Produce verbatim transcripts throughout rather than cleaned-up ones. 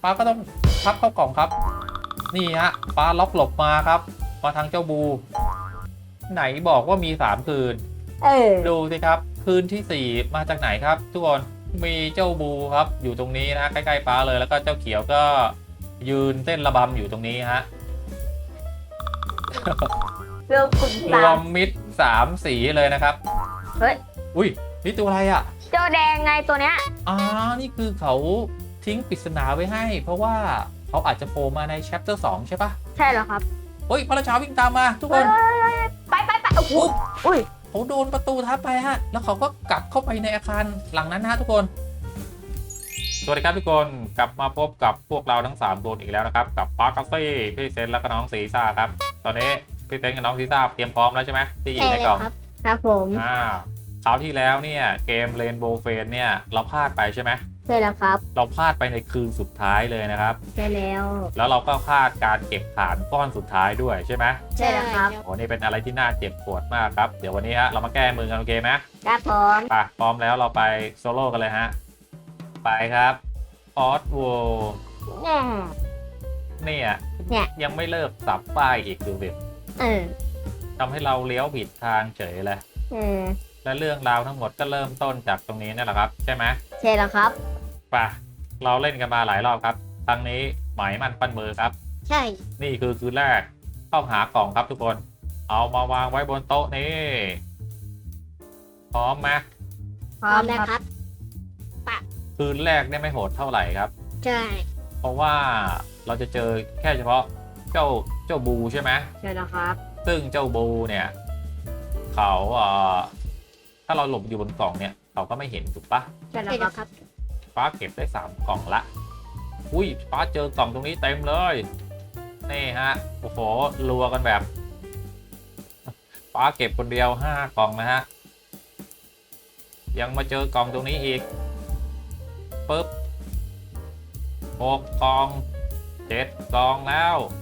ป้าก็ต้องพับเข้ากล่องครับนี่ฮะป้าล็อกหลบมาครับมาทางเจ้าบูไหนบอกว่ามีสามคืนเออดูสิครับคืนที่สี่มาจากไหนครับ ทุกคนมีเจ้าบูครับอยู่ตรงนี้นะใกล้ๆป้าเลยแล้วก็เจ้าเขียวก็ยืนเต้นระบำอยู่ตรงนี้ฮะเรื่องคุณรตาวมมิตรสามสีเลยนะครับเฮ้ยอุ้ยนี่ตัวอะไรอ่ะเจ้าแดงไงตัวเนี้ยอ่านี่คือเขาทิ้งปริศนาไว้ให้ เพราะว่าเขาอาจจะโผล่มาใน chapter สองใช่ปะใช่เหรอครับเฮ้ยพระราชาวิ่งตามมาทุกคนไปไปไปโอ้โหอุ้ยเขาโดนประตูทับไปฮะแล้วเขาก็กลับเข้าไปในอาคารหลังนั้นนะทุกคนสวัสดีครับทุกคนกลับมาพบกับพวกเราทั้งสามคนอีกแล้วนะครับกับปาร์คาเฟ่พี่เซนและก็น้องซีซ่าครับตอนนี้พี่เซนกับน้องซีซ่าเตรียมพร้อมแล้วใช่ไหมที่อยู่ในกล่องครับผมอ่าคราวที่แล้วเนี่ยเกมเรนโบว์เฟนเนี่ยเราพลาดไปใช่ไหมใช่แล้วครับเราพลาดไปในคืนสุดท้ายเลยนะครับใช่แล้วแล้วเราก็พลาดการเก็บฐานก้อนสุดท้ายด้วยใช่ไหมใช่แล้วครับโอ้นี่เป็นอะไรที่น่าเจ็บปวดมากครับเดี๋ยววันนี้ฮะเรามาแก้มือกันโอเคไหมครับผมไปพร้อมแล้วเราไปโซโล่กันเลยฮะไปครับออสโวแน่เนี่ยเนี่ยยังไม่เลิกสับป้ายอีกดูสิเออทำให้เราเลี้ยวผิดทางเฉยเลยเออและเรื่องราวทั้งหมดก็เริ่มต้นจากตรงนี้นั่นแหละครับใช่ไหมใช่แล้วครับไปเราเล่นกันมาหลายรอบครับครั้งนี้หมายมันปั้นมือครับใช่นี่คือคืนแรกต้องหากล่องครับทุกคน เอามาวางไว้บนโต๊ะนี้พร้อมไหมพร้อมนะครับคืนแรกเนี่ยไม่โหดเท่าไหร่ครับใช่เพราะว่าเราจะเจอแค่เฉพาะเจ้าเจ้าบูใช่ไหมใช่แล้วครับซึ่งเจ้าบูเนี่ยเขาเอ่อถ้าเราหลบอยู่บนกล่องเนี่ยเขาก็ไม่เห็นถูกปะใช่แล้วครับฟ้าเก็บได้สามกล่องละอุ้ยฟ้าเจอกล่องตรงนี้เต็มเลยนี่ฮะโอ้โหรัวกันแบบฟ้าเก็บคนเดียวห้ากล่องนะฮะยังมาเจอกล่องตรงนี้อีกปึ๊บหกกล่องเจ็ดกล่องแล้ว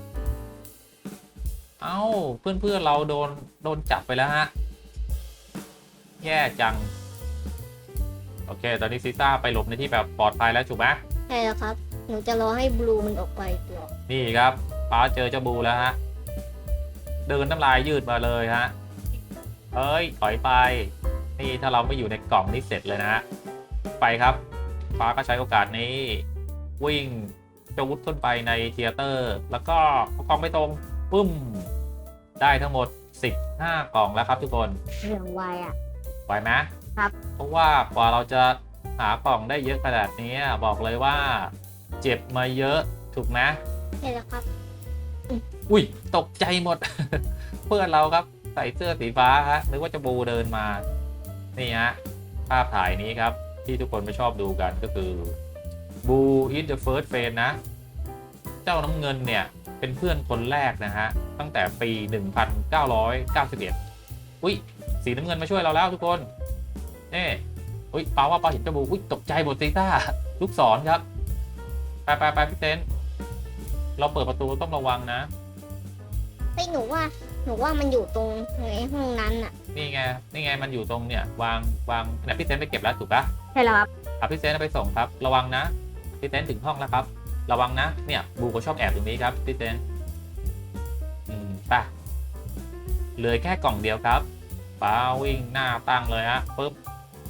เอ้าเพื่อนเพื่อนเราโดนโดนจับไปแล้วฮะแย่จังโอเคตอนนี้ซีซ่าไปหลบในที่แบบปลอดภัยแล้วถูกไหมใช่แล้วครับ หนูจะรอให้บลูมันออกไปก่อนนี่ครับป้าเจอเจ้าบูแล้วฮะเดินน้ำลายยืดมาเลยฮะเอ้ยถอยไปนี่ถ้าเราไม่อยู่ในกล่องนี่เสร็จเลยนะฮะไปครับป้าก็ใช้โอกาสนี้วิ่งจะวุดขึ้นไปในเธียเตอร์แล้วก็เอากล่องไปตรงปึ้มได้ทั้งหมดสิบห้ากล่องแล้วครับทุกคนเรื่องไวอ่ะไหวไหมครับเพราะว่ากว่าเราจะหากล่องได้เยอะขนาดนี้บอกเลยว่าเจ็บมาเยอะถูกไหมใช่แล้วครับอุ้ยตกใจหมด เพื่อนเราครับใส่เสื้อสีฟ้าฮะนึกว่าจะบูเดินมานี่ฮะภาพถ่ายนี้ครับที่ทุกคนไม่ชอบดูกันก็คือบูอินเดอะเฟิร์สเฟนนะเจ้าน้ำเงินเนี่ยเป็นเพื่อนคนแรกนะฮะตั้งแต่ปี หนึ่งพันเก้าร้อยเก้าสิบเอ็ด อุ้ยสีน้ำเงินมาช่วยเราแล้วทุกคนนี่อุ้ยปาว่าปาเห็นเจ้าบูอุ้ยตกใจหมดซีต้าลูกศรครับไปไปไปพี่เต้นเราเปิดประตูต้องระวังนะเฮ้ยหนูว่า หนูว่ามันอยู่ตรงในห้องนั้นอะนี่ไงนี่ไงมันอยู่ตรงเนี่ยวางวางเนี่ยพี่เต้นไปเก็บแล้วถูกปะใช่แล้วครับอ่ะพี่เต้นเอาไปส่งครับระวังนะพี่เต้นถึงห้องแล้วครับระวังนะเนี่ยบูก็ชอบแอบตรงนี้ครับพี่เต้นอืมไปเหลือแค่กล่องเดียวครับป้าวิ่งหน้าตั้งเลยฮะปึ๊บ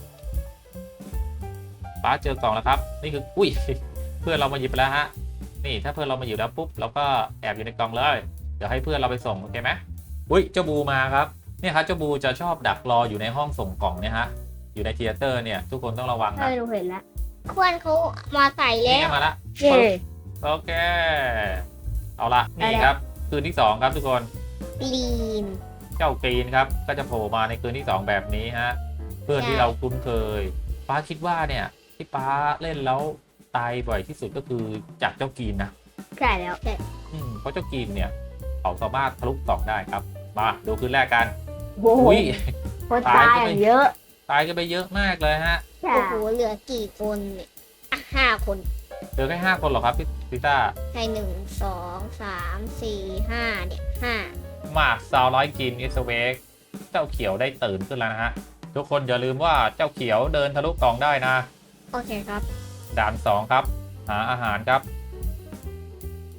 ป้าเจอกล่องแล้วครับนี่คืออุ้ย เพื่อนเรามาหยิบไปแล้วฮะนี่ถ้าเพื่อนเรามาอยู่แล้วปุ๊บเราก็แอบอยู่ในกล่องเลยเดี๋ยวให้เพื่อนเราไปส่งโอเคไหมอุ้ยเจ้าบูมาครับเนี่ยครับเจ้าบูจะชอบดักรออยู่ในห้องส่งกล่องเนี่ยฮะอยู่ในเธียเตอร์เนี่ยทุกคนต้องระวังใช่นะหนูเห็นแล้วเพื่อนเขามาใส่นี่แล้วไงมาละเย่โอเคเอาละนี่ครับคืนที่สองครับทุกคนลีนเจ้ากรีนครับก็จะโผล่มาในคืนที่สองแบบนี้ฮะเพื่อนที่เราคุ้นเคยป้าคิดว่าเนี่ยที่ป้าเล่นแล้วตายบ่อยที่สุดก็คือจากเจ้ากรีนนะใช่แล้วอืมเพราะเจ้ากรีนเนี่ยเขาสามารถทะลุกล่องได้ครับมาดูคืนแรกกันโอ้โหอุ้ยคนตายอย่างเยอะตายกันไปเยอะมากเลยฮะใช่โอ้โหเหลือกี่คนเนี่ยอ่ะห้าคนเหลือแค่ห้าคนเหรอครับพี่ซิต้าให้หนึ่งสองสามสี่ห้าเนี่ยห้ามาซาวร้อยกินอิสเวกเจ้าเขียวได้ตื่นขึ้นแล้วนะฮะทุกคนอย่าลืมว่าเจ้าเขียวเดินทะลุกล่องได้นะโอเคครับด่านสองครับหาอาหารครับ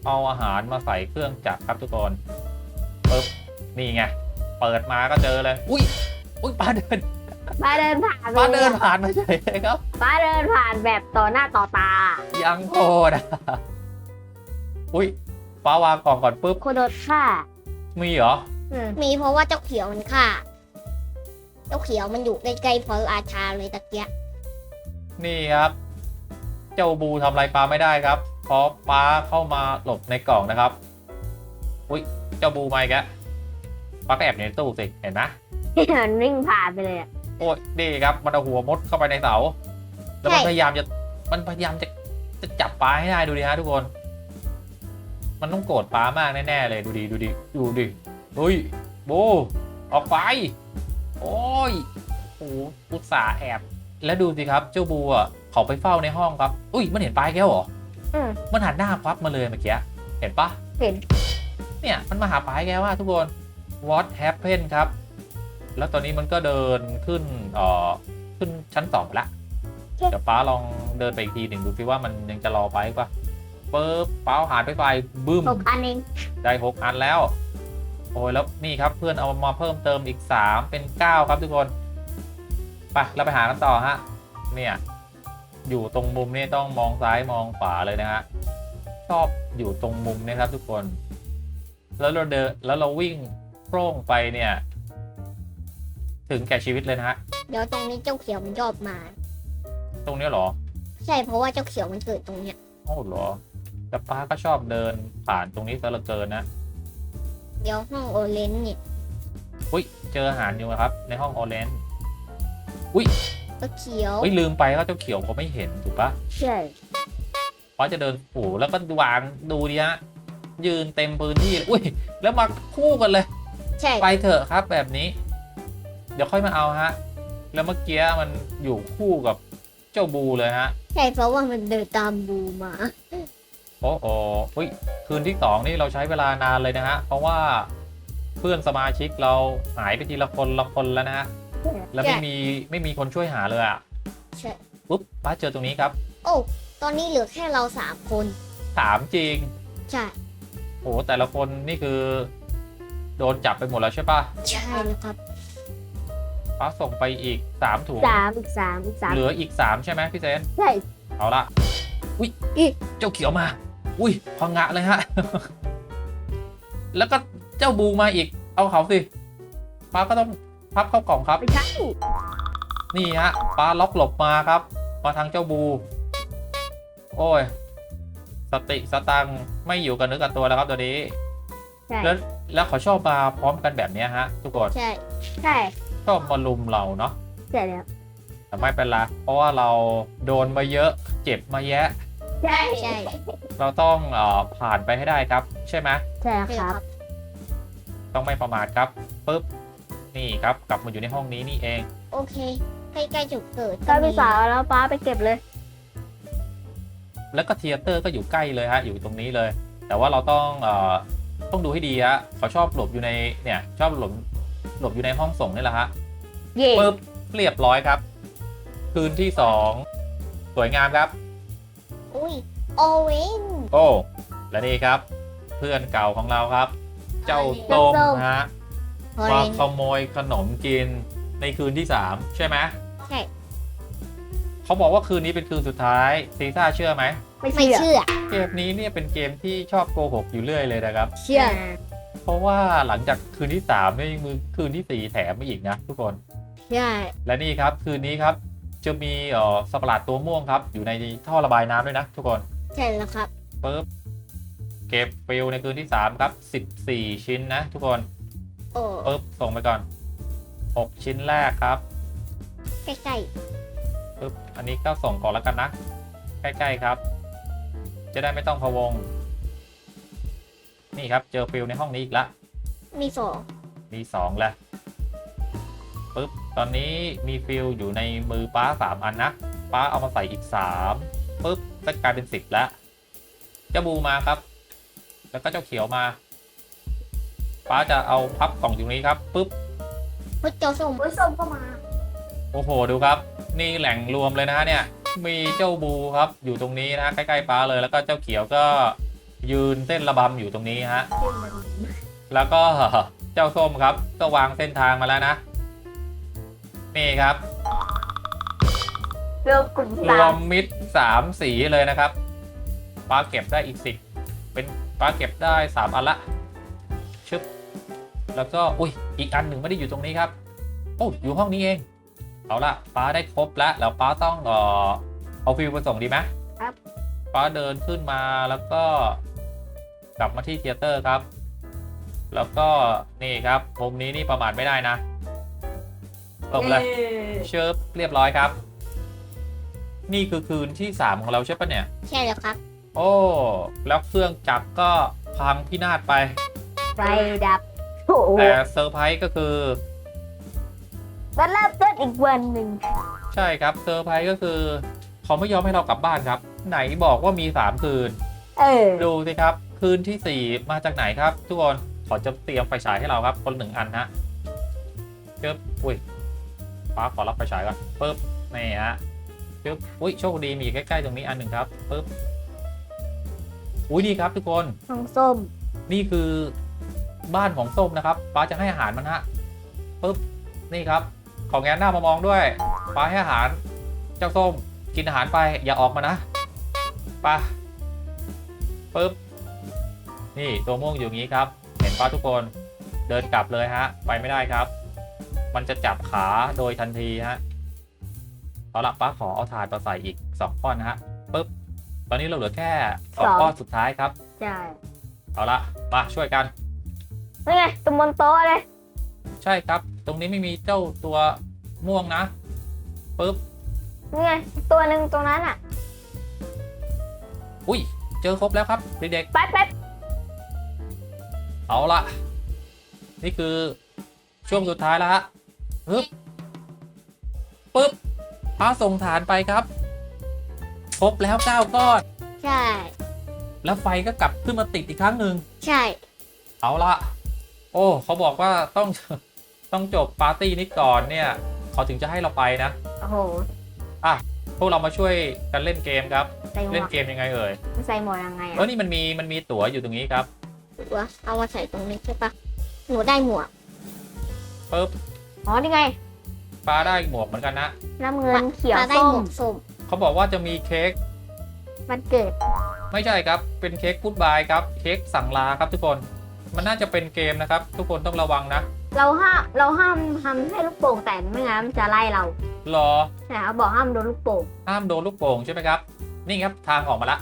เอาอาหารมาใส่เครื่องจักรครับทุกคนปึ๊บนี่ไงเปิดมาก็เจอเลยอุ้ยอุ้ยปลาเดินป้าเดินผ่านปลาลเดิยนผ่านมาเฉยเลยครับป้าเดินผ่านแบบต่อหน้าต่อตายังโคตรอะอุ้ยฟ้าวางกล่องก่อนปุ๊บโคโดดฆ่ามีเหรออืมมีเพราะว่าเจ้าเขียวมันฆ่าเจ้าเขียวมันอยู่ใกล้ๆพระราชาเลยตะเกียะนี่ครับ เจ้าบูทำอะไรปลาไม่ได้ครับเพราะปลาเข้ามาหลบในกล่องนะครับอุ้ยเจ้าบูมาอีกแล้วปลาก็แอบอยู่ในตู้สิเห็นไหมมันวิ่งผ่านไปเลยอะโอ้ยนี่ครับมันเอาหัวมดเข้าไปในเสาแล้วมันพยายามจะมันพยายามจะจะจับปลาให้ได้ดูดิฮะทุกคน มันต้องโกรธปลามากแน่ๆเลยดูดิดูดิดูดิเฮ้ยบูออกไปโอ้ยโอ้โหอุตส่าห์แอบแล้วดูสิครับเจ้าบูอ่ะเขาไปเฝ้าในห้องครับอุ้ยมันเห็นปลาแก้วเหรออืมมันหันหน้าควับมาเลยเมื่อกี้เห็นปะเห็นเนี่ยมันมาหาปลาแก้วว่าทุกคน what happened ครับแล้วตอนนี้มันก็เดินขึ้นเอ่อขึ้นชั้นสองละเดี๋ยวป้าลองเดินไปอีกทีหนึ่งดูซิว่ามันยังจะรอไปปะปึ๊บป้าเอาหานไปไฟบึ้มหกอันเองได้หกอันแล้วโอ้ยแล้วนี่ครับเพื่อนเอามาเพิ่มเติมอีกสามเป็นเก้าครับทุกคนไปเราไปหากันต่อฮะเนี่ยอยู่ตรงมุมนี่ต้องมองซ้ายมองขวาเลยนะฮะชอบอยู่ตรงมุมนี่ครับทุกคน แล้วเราเดินแล้วเราวิ่งโปร่งไปเนี่ย ถึงแก่ชีวิตเลยนะฮะเดี๋ยวตรงนี้เจ้าเขียวมันชอบมาตรงนี้เหรอใช่เพราะว่าเจ้าเขียวมันเกิดตรงเนี้ยโอ้เหรอแต่ป้าก็ชอบเดินผ่านตรงนี้ซะเหลือเกินนะเดี๋ยวห้องโอเลนเนี่ยอุ้ยเจออาหารอยู่ครับ ในห้องออเรนจ์เจ้าเขียวอุ้ยลืมไปว่าเจ้าเขียวเขาไม่เห็นถูกปะใช่ป้าจะเดินโอ้โหแล้วก็วางดูดิฮะยืนเต็มพื้นที่เลยอุ้ยแล้วมาคู่กันเลยใช่ไปเถอะครับแบบนี้ เดี๋ยวค่อยมาเอาฮะ แล้วเมื่อกี้มันอยู่คู่กับเจ้าบูเลยฮะใช่เพราะว่ามันเดินตามบูมาโอ้โหเฮ้ยคืนที่สองนี่เราใช้เวลานานเลยนะฮะ เพราะว่าเพื่อนสมาชิกเราหายไปทีละคนละคนแล้วนะฮะ แล้วไม่มีไม่มีคนช่วยหาเลยอ่ะใช่ปุ๊บป้าเจอตรงนี้ครับโอ้ตอนนี้เหลือแค่เราสามคนถามจริงใช่โอ้โหแต่ละคนนี่คือ โดนจับไปหมดแล้วใช่ปะใช่แล้วครับป้าส่งไปอีกสามถุงสามอีกสามอีกสามเหลืออีกสามใช่ไหมพี่เซนใช่เอาละอุ้ยอีกเจ้าเขียวมา อุ้ยพังงะเลยฮะ แล้วก็เจ้าบูมาอีก เอาเขาสิป้าก็ต้องพับเข้ากล่องครับไม่ใช่นี่ฮะป้าล็อกหลบมาครับ มาทางเจ้าบู โอ้ย สติสตังค์ไม่อยู่กับเนื้อกับตัวแล้วครับตัวนี้ใช่แล้วแล้วเขาชอบมาพร้อมกันแบบเนี้ยฮะ ทุกคนใช่ใช่ชอบมาลุมเราเนาะใช่แล้วแต่ไม่เป็นไรเพราะว่าเราโดนมาเยอะ เจ็บมาแยะใช่ใช่เราต้องเอ่อผ่านไปให้ได้ครับ ใช่ไหมใช่คใช่ครัรับ บต้องไม่ประมาทครับปุ๊บนี่ครับกลับมาอยู่ในห้องนี้นี่เองโอเค ใกล้ๆจุดเกิดก็พี่สาวแล้วป้าไปเก็บเลยแล้วก็เทียเตอร์ก็อยู่ใกล้เลยฮะอยู่ตรงนี้เลย แต่ว่าเราต้องเอ่อต้องดูให้ดีฮะเขาชอบหลบอยู่ในเนี่ยชอบหลบหลบอยู่ในห้องส่งนี่แหละฮะเย่ปุ๊บเรียบร้อยครับ คืนที่สองสวยงามครับอุ้ยโอเวนโอ้และนี่ครับ เพื่อนเก่าของเราครับ เจ้าต้มฮะโอเรมาน ขโมยขนมกินในคืนที่สามใช่ไหมใช่เขาบอกว่าคืนนี้เป็นคืนสุดท้ายซีซ่าเชื่อไหมไม่ไม่เชื่อเชื่อเกมนี้เนี่ยเป็นเกมที่ชอบโกหกอยู่เรื่อยเลยนะครับเชื่อเพราะว่าหลังจากคืนที่สามเนี่ยยังมือคืนที่สี่แถมมาอีกนะทุกคนใช่และนี่ครับคืนนี้ครับจะมีเอ่อสัตว์ประหลาดตัวม่วงครับอยู่ในท่อระบายน้ำด้วยนะทุกคนใช่แล้วครับปึ๊บเก็บฟิลในคืนที่สามครับสิบสี่ชิ้นนะทุกคนโอ้ปึ๊บส่งไปก่อนหกชิ้นแรกครับใกล้ปึ๊บอันนี้ก็ส่งก่อนแล้วกันนะใกล้ๆครับ จะได้ไม่ต้องพะวง นี่ครับเจอฟิลในห้องนี้อีกละๆมีสองมีสองแล้วปึ๊บตอนนี้มีฟิลอยู่ในมือป้าสามอันนะป้าเอามาใส่อีกสามปึ๊บก็กลายเป็นสิบแล้วเจ้าบูมาครับ แล้วก็เจ้าเขียวมาป้าจะเอาพับกล่องอยู่นี้ครับปึ๊บพุทธเจ้าส้มผู้ส้มก็มาโอ้โหดูครับ นี่แหล่งรวมเลยนะฮะเนี่ยมีเจ้าบูครับอยู่ตรงนี้นะใกล้ๆป้าเลยแล้วก็เจ้าเขียวก็ยืนเส้นระบำอยู่ตรงนี้ฮะแล้วก็เจ้าส้มครับก็วางเส้นทางมาแล้วนะนี่ครับเรือกลุ่มรสาว มมมิตรสามสีเลยนะครับป้าเก็บได้อีกสิบเป็นป้าเก็บได้สามอันละชึบแล้วก็อุ้ยอีกอันหนึ่งไม่ได้อยู่ตรงนี้ครับโอ้อยู่ห้องนี้เองเอาละป้าได้ครบแล้วแล้วป้าต้องเออเอาฟิวไปส่งดีไหมครับป้าเดินขึ้นมาแล้วก็กลับมาที่เธียเตอร์ครับ แล้วก็นี่ครับมุมนี้นี่ประมาทไม่ได้นะตบเลย เชิบเรียบร้อยครับ นี่คือคืนที่สามของเราใช่ปะเนี่ยใช่แล้วครับโอ้แล้วเครื่องจักรก็พังพินาศไปไฟดับโอ้โหแต่เซอร์ไพรส์ก็คือมันเริ่มต้นอีกวันหนึ่งใช่ครับเซอร์ไพรส์ก็คือเขาไม่ยอมให้เรากลับบ้านครับ ไหนบอกว่ามีสามคืนเออดูสิครับ คืนที่สี่มาจากไหนครับ ทุกคนขอจะเตรียมไฟฉายให้เราครับคนหนึ่งอันฮะเชิบอุ้ยป้าขอรับไฟฉายก่อนปึ๊บนี่ฮะเชิบอุ้ยโชคดีมีใกล้ๆตรงนี้อันหนึ่งครับปึ๊บอุ้ยนี่ครับทุกคนของส้มนี่คือบ้านของส้มนะครับป้าจะให้อาหารมันฮะปึ๊บนี่ครับของแงนหน้ามามองด้วยป้าให้อาหารเจ้าส้มกินอาหารไปอย่าออกมานะป้าปึ๊บนี่ตัวม่วงอยู่อย่างนี้ครับเห็นป้าทุกคนเดินกลับเลยฮะไปไม่ได้ครับ มันจะจับขาโดยทันทีฮะเอาละป้าขอเอาถาดมาใส่อีกสองก้อนนะฮะปึ๊บตอนนี้เราเหลือแค่สองก้อนสุดท้ายครับใช่เอาละมาช่วยกันนี่ไงตรงบนโต๊ะเลยใช่ครับ ตรงนี้ไม่มีเจ้าตัวม่วงนะปึ๊บนี่ไงตัวหนึ่งตรงนั้นอ่ะอุ้ยเจอครบแล้วครับเด็กไปไปๆเอาละนี่คือช่วงสุดท้ายแล้วฮะปึ๊บปึ๊บพาส่งฐานไปครับครบแล้วเก้าก้อนใช่แล้วไฟก็กลับขึ้นมาติดอีกครั้งหนึ่งใช่เอาละโอ้เขาบอกว่าต้อง ต้องจบปาร์ตี้นี้ก่อนเนี่ยเขาถึงจะให้เราไปนะโอ้โหพวกเรามาช่วยกันเล่นเกมครับใส่หมเล่วน กเกมยังไงเอ่ยใส่หมวกยังไงเอออ่ะนี่มันมีมันมีตั๋วอยู่ตรงนี้ครับตัวเอามาใส่ตรงนี้ใช่ปะหนูได้หมวกปึ๊บอ๋อนี่ไงปลาได้หมวกเหมือนกันนะน้ำเงินเขียวปลาได้ส้หมมวกส้มเขาบอกว่าจะมีเค้กมันเกิดไม่ใช่ครับเป็นเค้กกู๊ดบายครับเค้กสั่งลาครับทุกคนมันน่าจะเป็นเกมนะครับ ทุกคนต้องระวังนะเราห้ามเราห้ามทำให้ลูกโป่งแตกไม่งั้นมันจะไล่เรารอแต่เขาบอกห้ามโดนลูกโป่งห้ามโดนลูกโป่งใช่ไหมครับ นี่ครับทางออกมาละ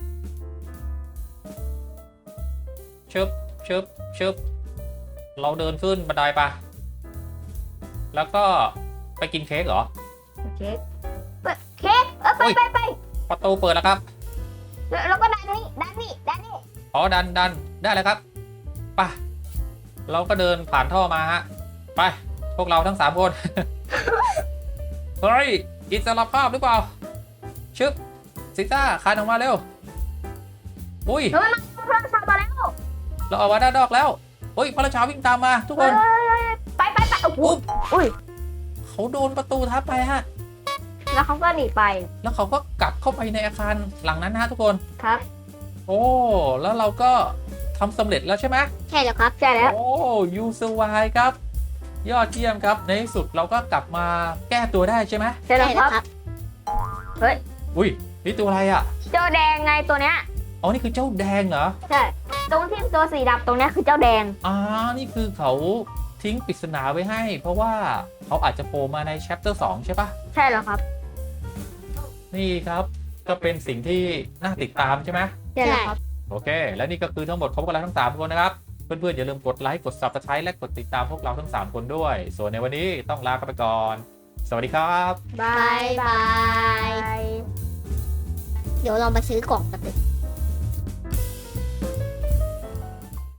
เชิบเชิบเชิบเราเดินขึ้นบันไดปะแล้วก็ไปกินเค้กเหรอเค้กเปิดเค้กเออไปโอ้ยไปไปประตูเปิดแล้วครับแล้วแล้วก็ดันนี่ดันนี่ดันนี่อ๋อดันดันได้เลยครับไปเราก็เดินผ่านท่อมาฮะไปพวกเราทั้งสามคน เฮ้ยอิสระภาพหรือเปล่าชึบซิต้าคานออกมาเร็วอุ้ยเฮ้ยมันเริ่มทำมาแล้วเราเอามาด้านนอกแล้วอุ้ยพระราชาวิ่งตามมาทุกคนเฮ้ยไปไปไปโอ้โหอุ๊บอุ้ยเขาโดนประตูทับไปฮะแล้วเขาก็หนีไปแล้วเขาก็กลับเข้าไปในอาคารหลังนั้นนะทุกคนครับโอ้แล้วเราก็ทำสำเร็จแล้วใช่ไหมใช่แล้วครับใช่แล้วโอ้ยูสวายครับ ยอดเยี่ยมครับในที่สุดเราก็กลับมาแก้ตัวได้ใช่ไหมใช่แล้วครับครับเฮ้ยอุ้ยนี่ตัวอะไรอ่ะเจ้าแดงไงตัวเนี้ยอ๋อนี่คือเจ้าแดงเหรอใช่ ตรงที่ตัวสีดำตรงเนี้ยคือเจ้าแดงอ่านี่คือเขาทิ้งปริศนาไว้ให้ เพราะว่าเขาอาจจะโผล่มาใน chapter สองใช่ปะใช่แล้วครับนี่ครับก็เป็นสิ่งที่น่าติดตามใช่ไหมใช่แล้วครับโอเค และนี่ก็คือทั้งหมดของพวกเราทั้งสามคนนะครับ เพื่อนๆอย่าลืมกดไลค์กด Subscribe และกดติดตามพวกเราทั้งสามคนด้วย ส่วนในวันนี้ต้องลากันไปก่อน สวัสดีครับบายบาย เดี๋ยวเรามาซื้อกล่องกันเลย